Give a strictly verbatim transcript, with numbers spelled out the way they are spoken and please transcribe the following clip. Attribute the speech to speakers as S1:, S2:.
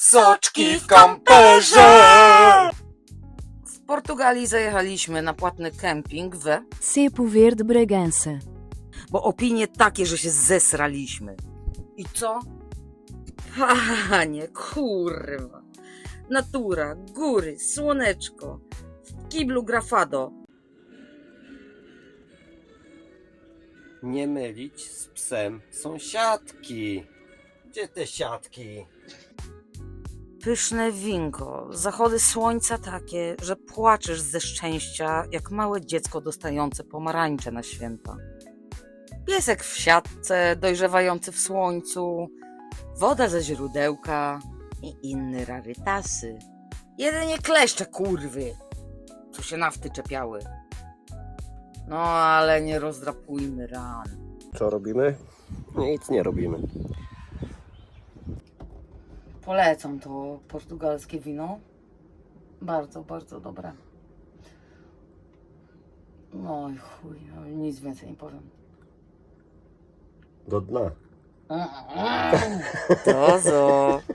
S1: Soczki w kamperze!
S2: W Portugalii zajechaliśmy na płatny kemping w...
S3: Cepo Verde Bragança.
S2: Bo opinie takie, że się zesraliśmy. I co? Panie, kurwa. Natura, góry, słoneczko. W kiblu grafado.
S1: Nie mylić z psem sąsiadki. Gdzie te siatki?
S2: Pyszne winko, zachody słońca takie, że płaczesz ze szczęścia, jak małe dziecko dostające pomarańcze na święta. Piesek w siatce, dojrzewający w słońcu, woda ze źródełka i inne rarytasy. Jedynie kleszcze, kurwy, co się nafty czepiały. No ale nie rozdrapujmy ran.
S1: Co robimy? Nic nie robimy.
S2: Polecam to portugalskie wino. Bardzo, bardzo dobre. No i chuj, no, nic więcej nie powiem.
S1: Do dna.
S2: Dozo.